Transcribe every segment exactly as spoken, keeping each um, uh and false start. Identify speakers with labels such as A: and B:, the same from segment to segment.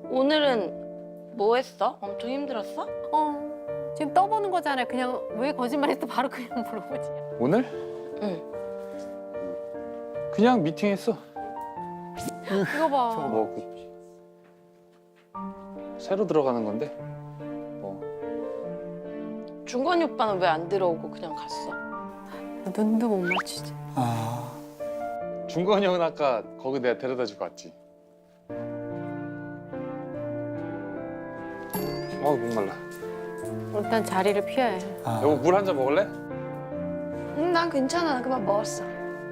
A: 오늘은 뭐 했어? 엄청 힘들었어?
B: 어, 지금 떠보는 거잖아요. 그냥 왜 거짓말했어? 바로 그냥 물어보지.
C: 오늘?
A: 응.
C: 그냥 미팅했어.
B: 이거 봐.
C: 저거 뭐 그... 새로 들어가는 건데. 뭐
A: 중건이 오빠는 왜 안 들어오고 그냥 갔어?
B: 눈도 못 맞추지.
D: 아,
C: 중건이 형은 아까 거기 내가 데려다 주고 왔지. 어우 목말라.
B: 일단 자리를 피해.
D: 아.
C: 여보 물 한 잔 먹을래?
E: 응, 난 괜찮아. 나 그만 먹었어.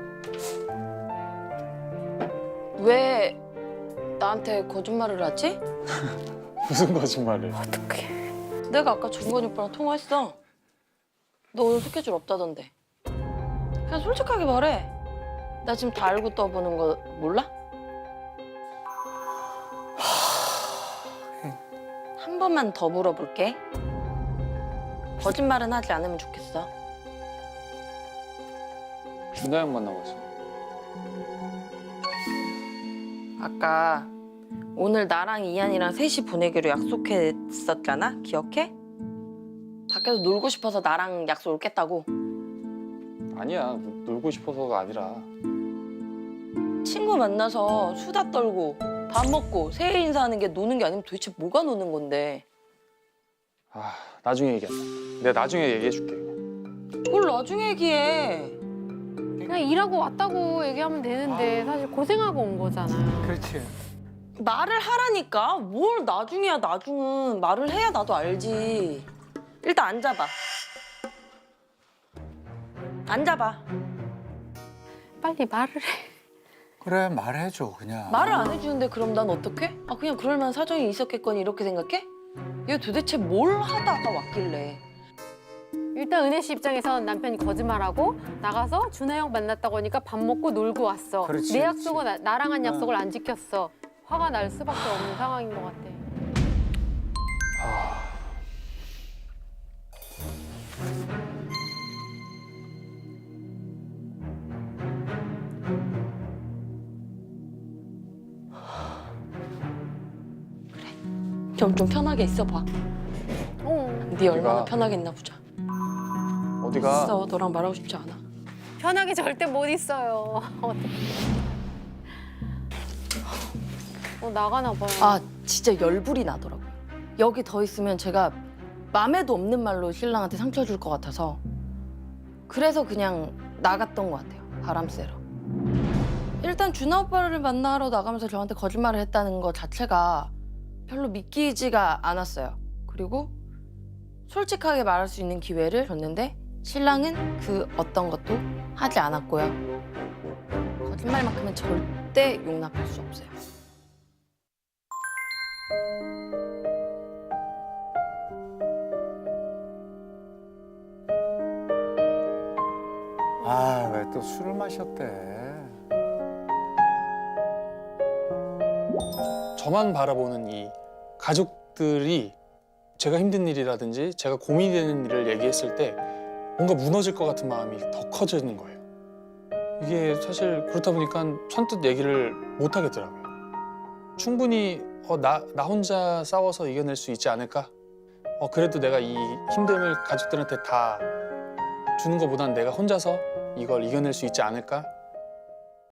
A: 왜 나한테 거짓말을 하지?
C: 무슨 거짓말을?
B: 어떡해.
A: 내가 아까 중건이 오빠랑 통화했어. 너 오늘 스케줄 없다던데. 그냥 솔직하게 말해. 나 지금 다 알고 떠보는 거 몰라? 한 번만 더 물어볼게. 거짓말은 하지 않으면 좋겠어.
C: 준하 형 만나고 있어.
A: 아까 오늘 나랑 이한이랑 셋이 보내기로 약속했었잖아? 기억해? 밖에서 놀고 싶어서 나랑 약속을 깼다고.
C: 아니야 놀고 싶어서가 아니라.
A: 친구 만나서 수다 떨고 밥 먹고 새해 인사하는 게 노는 게 아니면 도대체 뭐가 노는 건데.
C: 아 나중에 얘기한다. 내가 나중에 얘기해 줄게.
A: 뭘 나중에 얘기해.
B: 그냥 일하고 왔다고 얘기하면 되는데 사실 고생하고 온 거잖아.
D: 그렇지.
A: 말을 하라니까. 뭘 나중이야 나중은. 말을 해야 나도 알지. 일단 앉아봐. 앉아봐.
B: 빨리 말을 해.
D: 그래, 말해줘, 그냥.
A: 말을 안 해주는데 그럼 난 어떡해? 아 그냥 그럴 만한 사정이 있었겠거니 이렇게 생각해? 얘 도대체 뭘 하다가 왔길래.
B: 일단 은혜 씨 입장에선 남편이 거짓말하고 나가서 준하 형 만났다고 하니까 밥 먹고 놀고 왔어.
D: 그렇지,
B: 내
D: 그렇지.
B: 약속은 나- 나랑 한 약속을
D: 응.
B: 안 지켰어. 화가 날 수밖에 없는 상황인 것 같아.
C: 아
A: 좀, 좀 편하게 있어봐.
B: 어.
A: 네 얼마나
C: 어디가?
A: 편하게 있나 보자.
C: 어디가?
A: 있어. 너랑 말하고 싶지 않아.
B: 편하게 절대 못 있어요. 어떡해. 어, 나가나 봐요.
A: 아 진짜 열불이 나더라고. 여기 더 있으면 제가 맘에도 없는 말로 신랑한테 상처 줄 것 같아서 그래서 그냥 나갔던 것 같아요. 바람 쐬러. 일단 준하 오빠를 만나러 나가면서 저한테 거짓말을 했다는 것 자체가 별로 믿기지가 않았어요. 그리고 솔직하게 말할 수 있는 기회를 줬는데 신랑은 그 어떤 것도 하지 않았고요. 거짓말만큼은 절대 용납할 수 없어요.
D: 아, 왜 또 술을 마셨대?
F: 저만 바라보는 이 가족들이 제가 힘든 일이라든지 제가 고민이 되는 일을 얘기했을 때 뭔가 무너질 것 같은 마음이 더 커지는 거예요. 이게 사실 그렇다 보니까 선뜻 얘기를 못 하겠더라고요. 충분히 어, 나, 나 혼자 싸워서 이겨낼 수 있지 않을까? 어, 그래도 내가 이 힘듦을 가족들한테 다 주는 것보다는 내가 혼자서 이걸 이겨낼 수 있지 않을까?